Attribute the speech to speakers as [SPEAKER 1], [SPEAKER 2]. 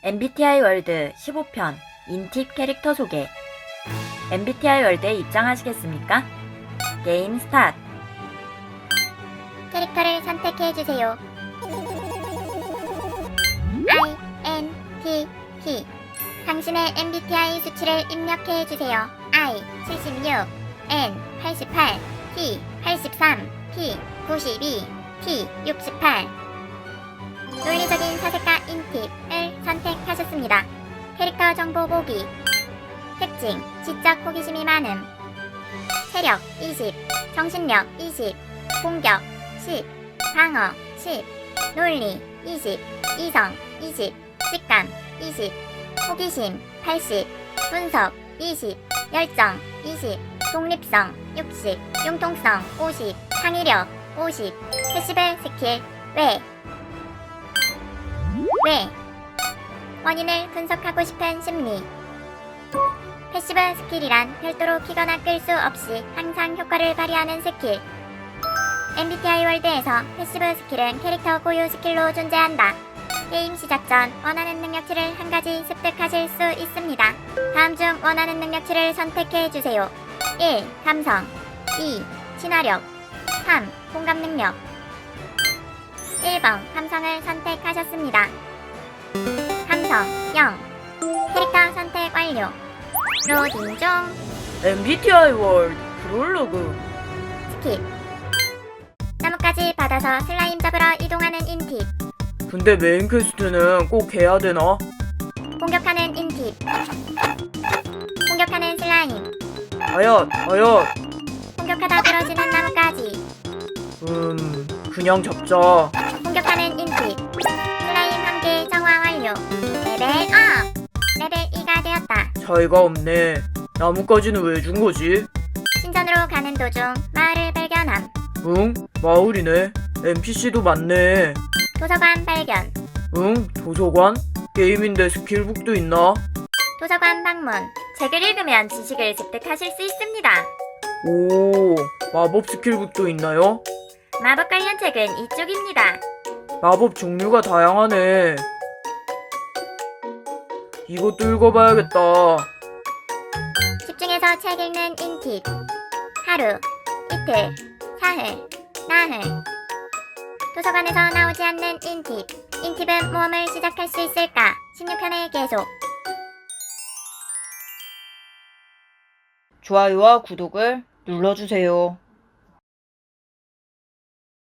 [SPEAKER 1] MBTI 월드 15편 인팁 캐릭터 소개. MBTI 월드에 입장하시겠습니까? 게임 스타트.
[SPEAKER 2] 캐릭터를 선택해주세요. INTP. 당신의 MBTI 수치를 입력해주세요. I 76, N 88, T 83, P 92, T 68. 논리적인 사색가 인팁을 선택하셨습니다. 캐릭터 정보 보기. 특징, 지적 호기심이 많음. 체력 20, 정신력 20, 공격 10, 방어 10, 논리 20, 이성 20, 직감 20, 호기심 80, 분석 20, 열정 20, 독립성 60, 융통성 50, 창의력 50, 패시브 스킬 왜? 원인을 분석하고 싶은 심리. 패시브 스킬이란 별도로 키거나 끌 수 없이 항상 효과를 발휘하는 스킬. MBTI 월드에서 패시브 스킬은 캐릭터 고유 스킬로 존재한다. 게임 시작 전 원하는 능력치를 한 가지 습득하실 수 있습니다. 다음 중 원하는 능력치를 선택해주세요. 1. 감성 2. 친화력 3. 공감 능력. 1번 감성을 선택하셨습니다. 감성 0. 캐릭터 선택 완료. 로딩 중.
[SPEAKER 1] MBTI 월드 프롤로그.
[SPEAKER 2] 스킵. 나뭇가지 받아서 슬라임 잡으러 이동하는 인팁.
[SPEAKER 1] 근데 메인 퀘스트는 꼭 해야 되나?
[SPEAKER 2] 공격하는 인팁. 공격하는 슬라임.
[SPEAKER 1] 아얏.
[SPEAKER 2] 공격하다 부러지는 나뭇가지.
[SPEAKER 1] 그냥 잡자.
[SPEAKER 2] 공격하는 인팁. 슬라임 한개 정화 완료. 레벨 업. 레벨 2가 되었다.
[SPEAKER 1] 차이가 없네. 나뭇가지는 왜 준 거지?
[SPEAKER 2] 신전으로 가는 도중 마을을 발견함.
[SPEAKER 1] 응? 마을이네. NPC도 많네.
[SPEAKER 2] 도서관 발견.
[SPEAKER 1] 응? 도서관? 게임인데 스킬북도 있나?
[SPEAKER 2] 도서관 방문. 책을 읽으면 지식을 습득하실 수 있습니다.
[SPEAKER 1] 오, 마법 스킬북도 있나요?
[SPEAKER 2] 마법 관련 책은 이쪽입니다.
[SPEAKER 1] 마법 종류가 다양하네. 이것도 읽어봐야겠다.
[SPEAKER 2] 집중해서 책 읽는 인팁. 하루, 이틀, 사흘, 나흘. 도서관에서 나오지 않는 인팁. 인팁은 모험을 시작할 수 있을까? 16편에 계속.
[SPEAKER 1] 좋아요와 구독을 눌러주세요.